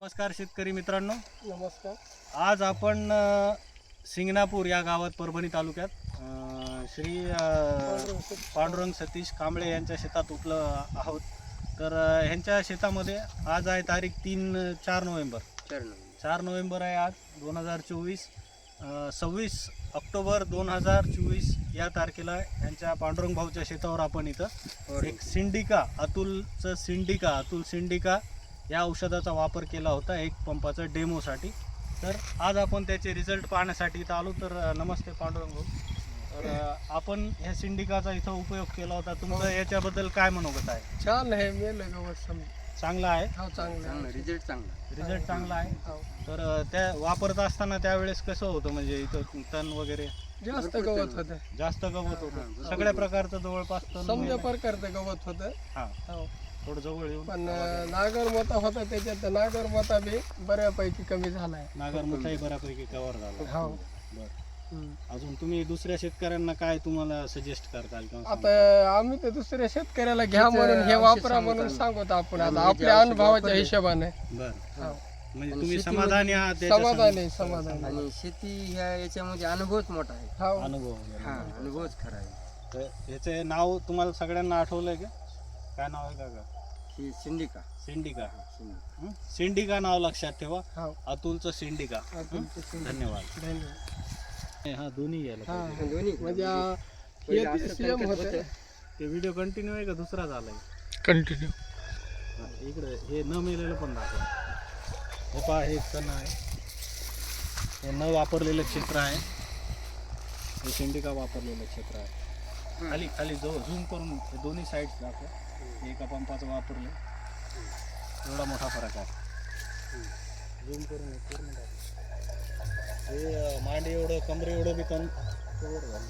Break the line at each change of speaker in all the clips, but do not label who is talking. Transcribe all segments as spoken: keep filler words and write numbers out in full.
नमस्कार शेतकरी मित्रांनो.
नमस्कार.
आज आपण अ, सिंगणापूर या गावात परभणी तालुक्यात अ, श्री अ, पांडुरंग सतीश कांबळे यांच्या शेतात उपल आहोत. तर अ, ह्यांच्या शेतामध्ये आज आहे तारीख तीन चार नोव्हेंबर चार नोव्हेंबर आहे आज दोन हजार चोवीस. सव्वीस ऑक्टोबर दोन हजार चोवीस या तारखेला यांच्या पांडुरंग भाऊच्या शेतावर आपण इथं एक सिंडिका अतुलचं सिंडिका अतुल सिंडिका या औषधाचा वापर केला होता एक पंपाचा डेमोसाठी. तर आज आपण त्याचे रिझल्ट पाहण्यासाठी इथं आलो. तर नमस्ते पांडुरंग भाऊ. तर आपण ह्या सिंडिकाचा इथं उपयोग केला होता. तुमचं याच्याबद्दल काय मनोगत आहे?
छान आहे. मेल गवत सम
चांगला आहे.
हो चांगलं आहे.
रिझल्ट चांगला
रिझल्ट चांगला आहे.
हो.
तर त्या वापरत असताना त्यावेळेस कसं होतं म्हणजे इथं तण वगैरे
जास्त गवत होतं.
जास्त गवत होतं. सगळ्या प्रकारचं जवळपास तण
समजा प्रकारचं गवत होतं.
हां
हो.
थोडं जवळ येऊन
पण नागर मोठा होता त्याच्यात नागर मोठा बी बऱ्यापैकी कमी झाला आहे.
नागर मोठाही बऱ्यापैकी कव्हर झाला.
हो.
बरं.
हम्म.
अजून तुम्ही दुसऱ्या शेतकऱ्यांना काय तुम्हाला सजेस्ट करताल किंवा
आता आम्ही तर दुसऱ्या शेतकऱ्याला घ्या म्हणून हे वापरा म्हणून सांगत आपण आता आपल्या अनुभवाच्या हिशोबाने.
बरं
हो.
म्हणजे तुम्ही समाधानी आहात त्याच्या
समाधान आहे समाधान आहे.
आणि शेती ह्या याच्यामध्ये अनुभवच मोठा आहे.
हो.
अनुभव वगैरे.
हा अनुभवच खरा आहे.
तर याचे नाव तुम्हाला सगळ्यांना आठवलंय का? काय नाव आहे का?
ही सिंडिका
सिंडिका.
सिंडिका.
हं? सिंडिका नाव लक्षात ठेवा.
हो.
अतुलचं सिंडिका. हं? धन्यवाद.
धन्यवाद.
हा दोन्ही घ्यायला
हा.
पाहिजे.
दोन्ही
म्हणजे
पहिलं
हे
असं
सीएम
संकट
होतं.
होतं.
ते व्हिडिओ कंटिन्यू आहे का दुसरा झालाय?
कंटिन्यू.
हा, इकडे हे न मेलेलं पण दाखवा. हे पहा हे तण आहे. हे न वापरलेलं क्षेत्र आहे. हे सिंडिका वापरलेलं क्षेत्र आहे. खाली खाली जो झूम करून हे दोन्ही साईड दाखवा. हे एका पंपाचं वापरलं एवढा मोठा फरक आहे. झूम करून हे पूर्ण दाखवा. हे अं, मांडी एवढं कमरे एवढं बी तण कव्हर झालं.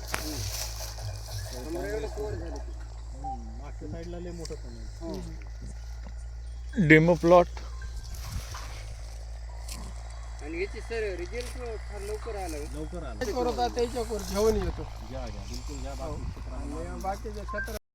हं, मागच्या साईडला लय मोठं तण आहे.
Demo plot.
आणि याची सर रिझल्ट फार लवकर आला.
लवकर आलं.
त्याच्यावर घेऊन येतो.
घ्या घ्या बिलकुल घ्या. बाकी क्षेत्रामध्ये
आणि बाकीच्या क्षेत्रात